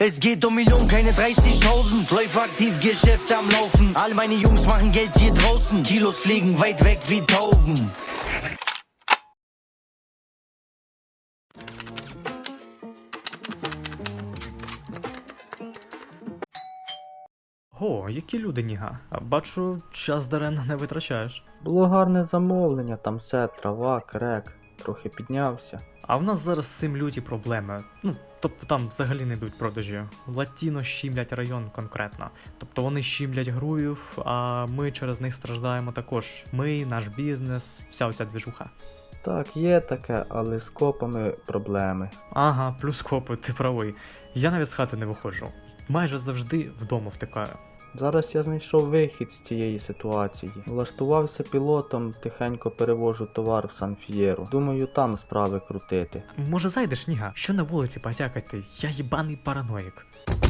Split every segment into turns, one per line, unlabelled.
Es geht um Millionen, keine 30.000. Läuft aktiv, Geschäfte am Laufen. All meine Jungs machen Geld hier draußen. Kilos fliegen weit weg wie Tauben.
О, які люди, Ніга. Бачу, час даремно не витрачаєш.
Було гарне замовлення, там все, трава, крек, трохи піднявся.
А в нас зараз з цим люті проблеми. Ну, тобто там взагалі не йдуть продажі. Латіно щімлять район конкретно. Тобто вони щімлять груїв, а ми через них страждаємо також. Ми, наш бізнес, вся оця двіжуха.
Так, є таке, але з копами проблеми.
Ага, плюс копи, ти правий. Я навіть з хати не виходжу. Майже завжди вдома втикаю.
Зараз я знайшов вихід з цієї ситуації. Влаштувався пілотом, тихенько перевожу товар в Сан-Ф'єру. Думаю, там справи крутити.
Може зайдеш, Ніга? Що на вулиці потякати? Я їбаний параноїк.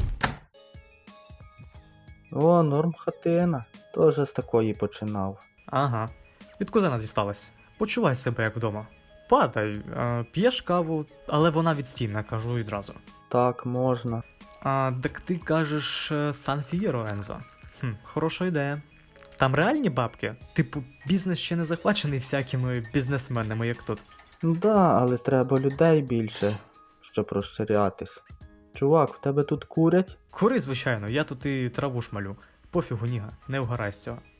О, норм хатина. Тоже з такої починав.
Ага. Від кузена дісталась. Почувай себе як вдома. Падай, п'єш каву, але вона відстійна, кажу відразу.
Так, можна.
Так ти кажеш Сан-Фієро, Ензо. Хороша ідея. Там реальні бабки? Типу, бізнес ще не захвачений всякими бізнесменами, як тут.
Да, але треба людей більше, щоб розширятись. Чувак, в тебе тут курять?
Кури, звичайно, я тут і траву шмалю. Пофігу, Ніга, не вгорай з цього.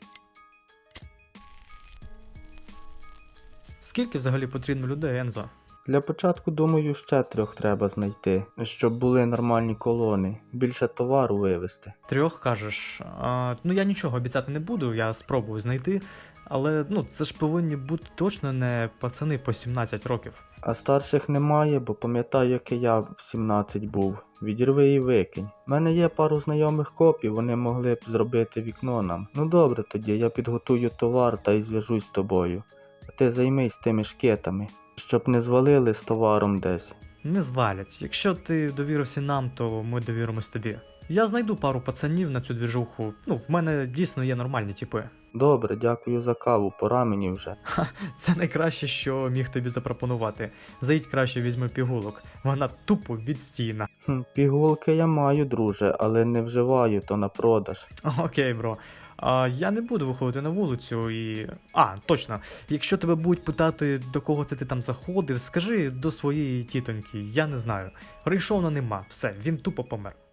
Скільки взагалі потрібно людей, Ензо?
Для початку, думаю, ще 3 треба знайти, щоб були нормальні колони, більше товару вивезти.
3 кажеш? Ну я нічого обіцяти не буду, я спробую знайти, але це ж повинні бути точно не пацани по 17 років.
А старших немає, бо пам'ятаю, як і я в 17 був. Відірви і викинь. У мене є пару знайомих копів, вони могли б зробити вікно нам. Ну добре тоді, я підготую товар та й зв'яжусь з тобою. А ти займись тими шкетами, щоб не звалили з товаром десь.
Не звалять. Якщо ти довірився нам, то ми довіримось тобі. Я знайду пару пацанів на цю двіжуху. В мене дійсно є нормальні типи.
Добре, дякую за каву, пора мені вже.
Це найкраще, що міг тобі запропонувати. Заїдь краще візьми пігулок. Вона тупо відстійна.
Пігулки я маю, друже, але не вживаю, то на продаж.
Окей, бро. Я не буду виходити на вулицю і... точно. Якщо тебе будуть питати, до кого це ти там заходив, скажи до своєї тітоньки, я не знаю. Рейшона нема, все, він тупо помер.